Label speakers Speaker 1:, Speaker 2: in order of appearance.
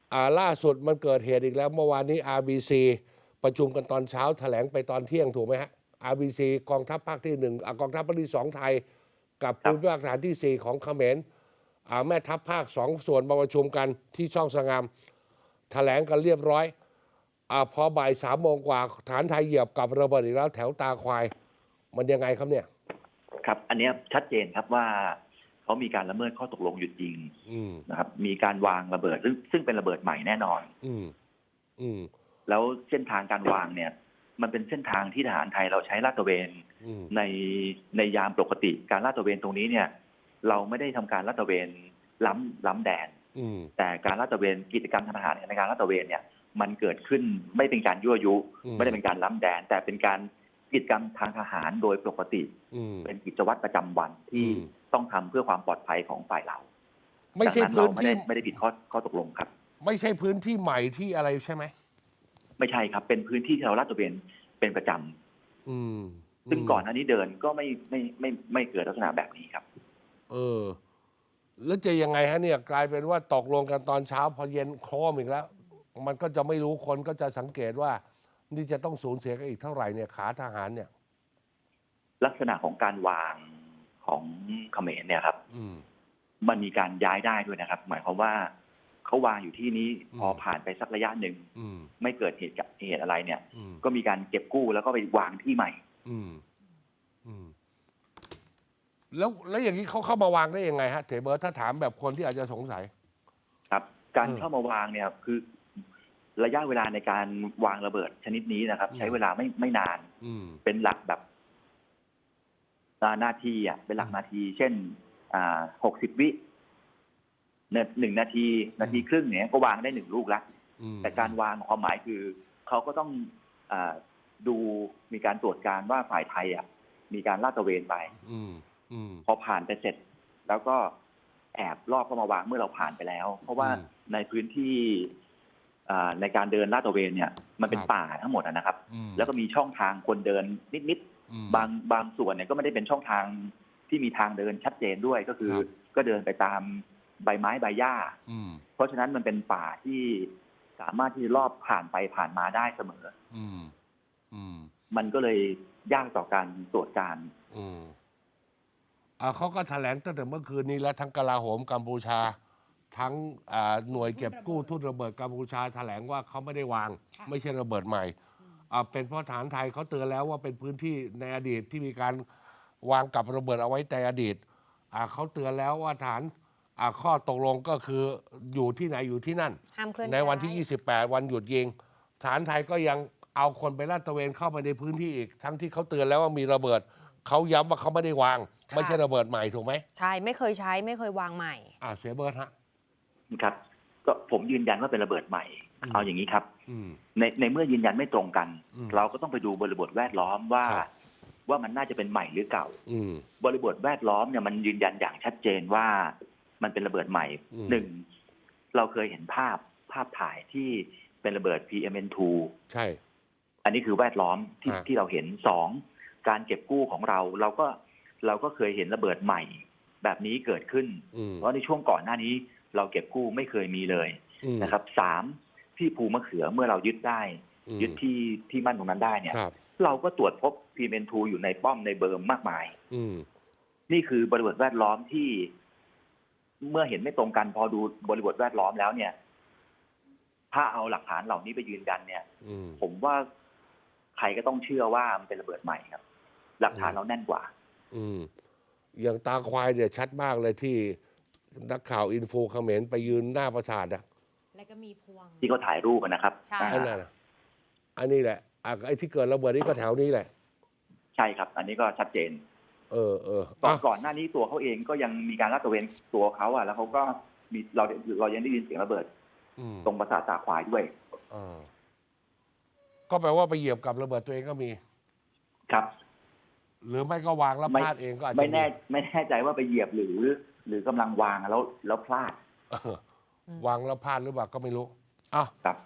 Speaker 1: ล่าสุดมันเกิดเหตุอีกแล้วเมื่อวานนี้ RBC ประชุมกันตอนเช้าแถลงไปตอนเที่ยงถูกไหมฮะ RBC กองทัพภาคที่หนึ่งกองทัพภาคที่สองไทยกับ
Speaker 2: ครั
Speaker 1: ภู
Speaker 2: บ
Speaker 1: มิภาคฐานที่สี่ของเขมรแม่ทัพภาคสองส่วนมาประชุมกันที่ช่องสงามแถลงกันเรียบร้อยพอบ่าย3 โมงกว่าฐานไทยเหยียบกับระเบิดอีกแล้วแถวตาควายมันยังไงครับเนี่ย
Speaker 2: ครับอันนี้ชัดเจนครับว่าเขามีการละเมิดข้อตกลงหยุดยิงนะครับมีการวางระเบิดซึ่งเป็นระเบิดใหม่แน่นอนแล้วเส้นทางการวางเนี่ยมันเป็นเส้นทางที่ทหารไทยเราใช้ลาดตระเวนในในยามปกติการลาดตระเวนตรงนี้เนี่ยเราไม่ได้ทำการลาดตระเวนล้ำแดนแต่การลาดตระเวนกิจกรรมทางทหารในการลาดตระเวนเนี่ยมันเกิดขึ้นไม่เป็นการยั่วยุไม่ได้เป็นการล้ำแดนแต่เป็นการกิจกรรมทางทหารโดยปกติเป็นกิจวัตรประจำวันที่ต้องทำเพื่อความปลอดภัยของฝ่ายเรา
Speaker 1: ไม่ใช่พื้นที่
Speaker 2: ไม่ได้ผิดข้อตกลงครับ
Speaker 1: ไม่ใช่พื้นที่ใหม่ที่อะไรใช่ไหม
Speaker 2: ไม่ใช่ครับเป็นพื้นที่ที่เราลาดตระเวนเป็นประจำซึ่งก่อนหน้านี้เดินก็ไม่เกิดลักษณะแบบนี้ครับ
Speaker 1: แล้วจะยังไงฮะเนี่ยกลายเป็นว่าตกลงกันตอนเช้าพอเย็นโครมอีกแล้วมันก็จะไม่รู้คนก็จะสังเกตว่านี่จะต้องสูญเสียกันอีกเท่าไหร่เนี่ยขาทหารเนี่ย
Speaker 2: ลักษณะของการวางของเขมรเนี่ยครับมันมีการย้ายได้ด้วยนะครับหมายความว่าเขาวางอยู่ที่นี้พอผ่านไปสักระยะหนึ่งไม่เกิดเหตุอะไรเนี่ยก็มีการเก็บกู้แล้วก็ไปวางที่ใหม่
Speaker 1: แล้วอย่างนี้เขาเข้ามาวางได้ยังไงฮะเถเบิร์ตถ้าถามแบบคนที่อาจจะสงสัย
Speaker 2: ครับการเข้ามาวางเนี่ยคือระยะเวลาในการวางระเบิดชนิดนี้นะครับใช้เวลาไม่นานเป็นหลักแบบนาทีเป็นหลักนาทีเช่น60 วิ1 นาทีครึ่งเนี่ยก็วางได้1 ลูกแล้วแต่การวางความหมายคือเขาก็ต้องดูมีการตรวจการว่าฝ่ายไทยมีการลาดตระเวนไปพอผ่านไปเสร็จแล้วก็แอบลอบเข้ามาวางเมื่อเราผ่านไปแล้วเพราะว่าในพื้นที่ในการเดินลาดตระเวนเนี่ยมันเป็นป่าทั้งหมดนะครับแล้วก็มีช่องทางคนเดินนิดๆบางส่วนเนี่ยก็ไม่ได้เป็นช่องทางที่มีทางเดินชัดเจนด้วยก็คือก็เดินไปตามใบไม้ใบหญ้าเพราะฉะนั้นมันเป็นป่าที่สามารถที่จะลอบผ่านไปผ่านมาได้เสมอมันก็เลยยากต่อการตรวจการ
Speaker 1: เขาก็แถลงตั้งแต่เมื่อคืนนี้แล้วทั้งกลาโหมกัมพูชาทั้งหน่วยเก็บกู้ทุ่นระเบิดกัมพูชาแถลงว่าเขาไม่ได้วางไม่ใช่ระเบิดใหม่เป็นเพราะฐานไทยเขาเตือนแล้วว่าเป็นพื้นที่ในอดีตที่มีการวางกับระเบิดเอาไว้แต่อดีตเขาเตือนแล้วว่าฐานข้อตกลงก็คืออยู่ที่ไหนอยู่ที่นั่นในวันที่28วันหยุดยิงฐานไทยก็ยังเอาคนไปลาดตระเวนเข้าไปในพื้นที่อีกทั้งที่เขาเตือนแล้วว่ามีระเบิดเขาย้ำว่าเขาไม่ได้วางไม่ใช่ระเบิดใหม่ถูกไหม
Speaker 3: ใช่ไม่เคยใช้ไม่เคยวางใหม่
Speaker 1: เสียเบิร์ดฮะ
Speaker 2: ครับก็ผมยืนยันว่าเป็นระเบิดใหม่เอาอย่างนี้ครับในเมื่อยืนยันไม่ตรงกันเราก็ต้องไปดูบริบทแวดล้อมว่ามันน่าจะเป็นใหม่หรือเก่าบริบทแวดล้อมเนี่ยมันยืนยันอย่างชัดเจนว่ามันเป็นระเบิดใหม่เราเคยเห็นภาพถ่ายที่เป็นระเบิด PM2
Speaker 1: ใช่
Speaker 2: อันนี้คือแวดล้อมที่เราเห็น2การเก็บกู้ของเราก็เคยเห็นระเบิดใหม่แบบนี้เกิดขึ้นเพราะในช่วงก่อนหน้านี้เราเก็บกู้ไม่เคยมีเลยนะครับ3ที่ภูมะเขือเมื่อเรายึดได้ยึดที่มั่นตรงนั้นได้เนี่ยเราก็ตรวจพบ PM2 อยู่ในป้อมในเบิร์มมากมายนี่คือบริบทแวดล้อมที่เมื่อเห็นไม่ตรงกันพอดูบริบทแวดล้อมแล้วเนี่ยถ้าเอาหลักฐานเหล่านี้ไปยืนยันเนี่ยผมว่าใครก็ต้องเชื่อว่ามันเป็นระเบิดใหม่ครับหลักฐานเราแน่นกว่า
Speaker 1: อย่างตาควายเนี่ยชัดมากเลยที่นักข่าวอินโฟเขมรไปยืนหน้าปราสาท
Speaker 3: แล้วก็มีพวง
Speaker 2: ที่เขาถ่ายรูปนะครับ
Speaker 3: ใช่
Speaker 1: อันนี้แหละไอ้ที่เกิดระเบิดนี่ก็แถวนี้แหละ
Speaker 2: ใช่ครับอันนี้ก็ชัดเจนก่อนหน้านี้ตัวเขาเองก็ยังมีการลาดตระเวนตัวเขาแล้วเขาก็มีเรายังได้ยินเสียงระเบิดตรงปราสาทตาควายด้วย
Speaker 1: ก็แปลว่าไปเหยียบกับระเบิดตัวเองก็มี
Speaker 2: ครับ
Speaker 1: หรือไม่ก็วางแล้วพลาดเองก็อาจจะ
Speaker 2: ไม่แน่ใจว่าไปเหยียบหรือกำลังวางแล้วพลาด
Speaker 1: วางแล้วพลาดหรือเปล่าก็ไม่รู้
Speaker 2: ครับ